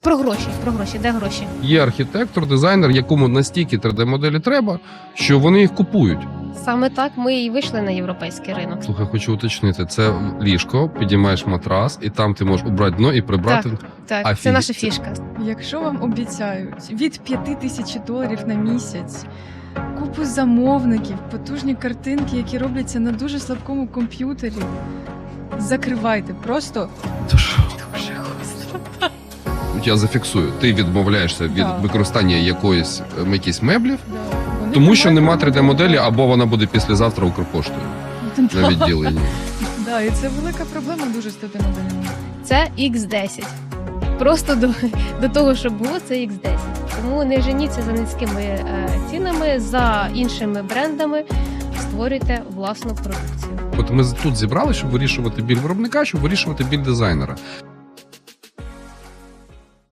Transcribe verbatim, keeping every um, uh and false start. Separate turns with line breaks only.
Про гроші, про гроші, де гроші?
Є архітектор, дизайнер, якому настільки три де-моделі треба, що вони їх купують.
Саме так ми і вийшли на європейський ринок.
Слухай, хочу уточнити, це ліжко, підіймаєш матрас, і там ти можеш убрати дно і прибрати.
Так, так,
Офігеть.
це наша фішка.
Якщо вам обіцяють від п'яти тисяч доларів на місяць, купу замовників, потужні картинки, які робляться на дуже слабкому комп'ютері, закривайте. Просто
Тож,
дуже гостро.
я зафіксую, ти відмовляєшся від
Так.
використання якоїсь ем, якісь меблів,
Да. Вони
тому що
тримають
нема три де-моделі,
роботу.
або вона буде післязавтра Укрпоштою на відділенні.
Да, і це велика проблема дуже з тими моделями.
Це ікс десять. Просто до, до того, що було, це ікс десять. Тому не женіться за низькими е, цінами, за іншими брендами, створюйте власну продукцію.
От ми тут зібрали, щоб вирішувати біль виробника, щоб вирішувати біль дизайнера.